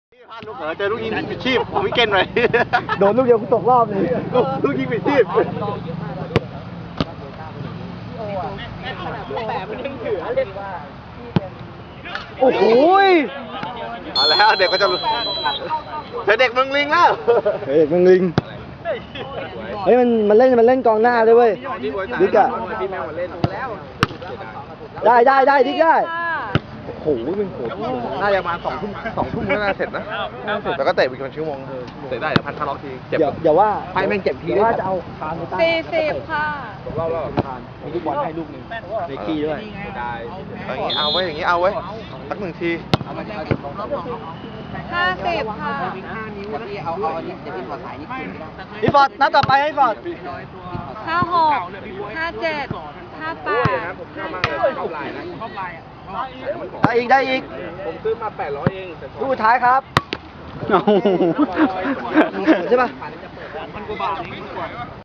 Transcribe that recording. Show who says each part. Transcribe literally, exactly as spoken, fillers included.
Speaker 1: พลาดลูกเหรอเจอลูกยิงปิดชีพผมวิกเกนเลย
Speaker 2: โดนลูกเดียวกูตกรอบเลย
Speaker 1: ลูกยิงปิดชีพ
Speaker 2: โอ้โห
Speaker 1: เอาแล้วเด็กก็จะเจอเด็กมึงลิงแล้ว
Speaker 2: เฮ้ยมึงลิงเฮ้ยมันมันเล่นมันเล่นกองหน้าด้วยเว้ยดิกอะได้ได้ได้ดิกได้โอ้โหมันโหด
Speaker 1: น่าจะมาสองทุ่มสองทุ่มก็น่าเสร็จนะแต่ก็เตะไปเป็นชั่วโมงเตะได้พันคาร์ล็อกทีเจ็บ
Speaker 2: อย่าอย่าว่า
Speaker 1: ไพ่แม่งเจ็บที
Speaker 2: อย่าว่าจะเอาคานไปตั้ง
Speaker 3: สี่สิบค่ะ
Speaker 1: รอบรอบ
Speaker 2: มีลูกบอลให้ลูกหนึ่งในขี้ด้วย
Speaker 1: อย่างนี้เอาไว้อย่างนี้เอาไว้สักหนึ่งที
Speaker 3: ห้าสิบค่ะ
Speaker 2: พี่ฟอร์ดนัดต่อไปให้ฟอร์ด
Speaker 3: ห้าหกห้าเจ็ดห้าแปดห้าเก้า
Speaker 2: ได้อีกได้อีก
Speaker 1: ผมซื้อมาแปดร้อยเอง
Speaker 2: ลูกสุดท้ายครับใช่ปะ